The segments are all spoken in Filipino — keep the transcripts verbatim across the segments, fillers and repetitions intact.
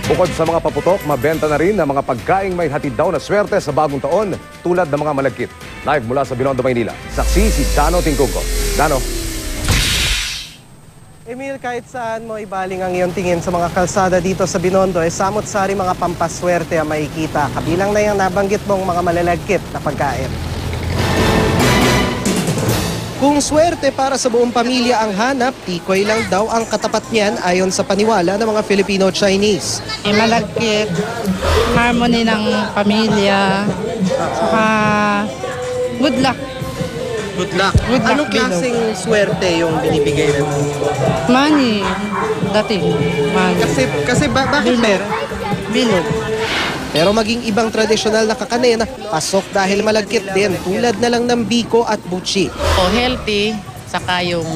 Bukod sa mga paputok, mabenta na rin ang mga pagkaing may hatid daw na swerte sa bagong taon tulad ng mga malagkit. Live mula sa Binondo, Maynila. Saksi si Dano Tingkungko. Dano. Emil, kahit saan mo ibaling ang iyong tingin sa mga kalsada dito sa Binondo, eh, samot-sari mga pampaswerte ang makikita. Kabilang na yung nabanggit mong mga malalagkit na pagkain. Kung swerte para sa buong pamilya ang hanap, tikoy lang daw ang katapat niyan ayon sa paniwala ng mga Filipino-Chinese. Eh, malagkit, harmony ng pamilya, saka good luck. Good luck. Good luck, Anong klaseng swerte yung binibigay ng Money, dati, money. Kasi, kasi ba, bakit meron? Bilog. Pero maging ibang tradisyonal na kakanin, pasok dahil malagkit din, tulad na lang ng biko at buchi. O healthy, saka yung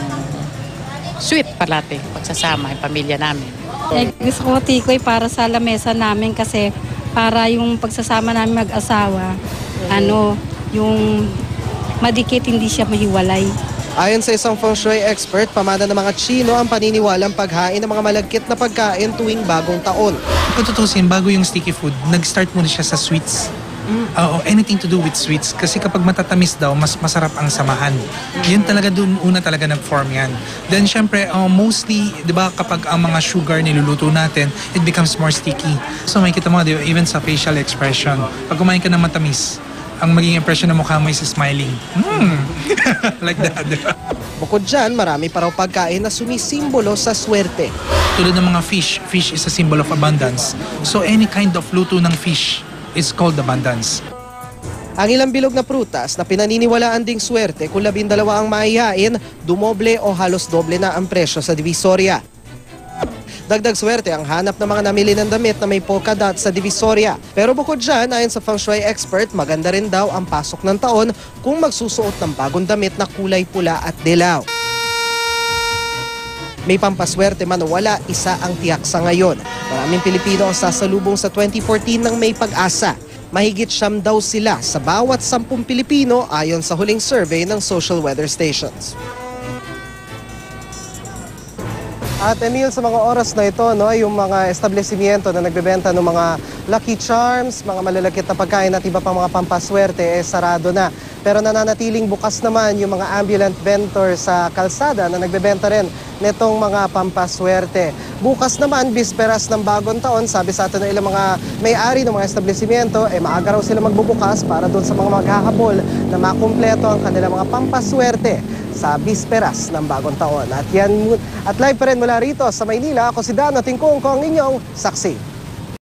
sweet palate, pagsasama yung pamilya namin. Eh, gusto ko tikoy para sa lamesa namin kasi para yung pagsasama namin mag-asawa, ano, yung madikit hindi siya mahiwalay. Ayon sa isang feng shui expert, pamana ng mga Chino ang paniniwalang paghain ng mga malagkit na pagkain tuwing bagong taon. Kung tutusin, bago yung sticky food, nag-start muna siya sa sweets. Oo, anything to do with sweets. Kasi kapag matatamis daw, mas masarap ang samahan. Yun talaga dun, una talaga nag-form yan. Then syempre, uh, mostly, di ba kapag ang mga sugar niluluto natin, it becomes more sticky. So makikita mo, di ba, even sa facial expression, pag kumain ka ng matamis, ang maging impression ng mukha mo is smiling. Mm. Like that. Bukod dyan, marami pa raw pagkain na sumisimbolo sa swerte. Tulad ng mga fish, fish is a symbol of abundance. So any kind of luto ng fish is called abundance. Ang ilang bilog na prutas na pinaniniwalaan ding swerte kung labindalawa ang maihain, dumoble o halos doble na ang presyo sa Divisoria. Dagdag swerte ang hanap ng mga namili ng damit na may polka dot sa Divisoria. Pero bukod dyan, ayon sa feng shui expert, maganda rin daw ang pasok ng taon kung magsusuot ng bagong damit na kulay pula at dilaw. May pampaswerte man o wala, isa ang tiyak sa ngayon. Maraming Pilipino ang sasalubong sa twenty fourteen ng may pag-asa. Mahigit siyam daw sila sa bawat sampung Pilipino ayon sa huling survey ng social weather stations. At Emil, sa mga oras na ito, no, yung mga establishmento na nagbebenta ng mga Lucky Charms, mga malalakit na pagkain at iba pang mga pampaswerte, eh, sarado na. Pero nananatiling bukas naman yung mga ambulant vendor sa kalsada na nagbebenta rin nitong mga pampaswerte. Bukas naman, bisperas ng bagong taon, sabi sa atin ng ilang mga may-ari ng mga establishmento, eh, maaga raw sila magbubukas para doon sa mga maghahabol na makumpleto ang kanilang mga pampaswerte sa bisperas ng bagong taon. At yan, at live pa rin mula rito sa Maynila, ako si Dano Tingkungko, ang inyong saksi.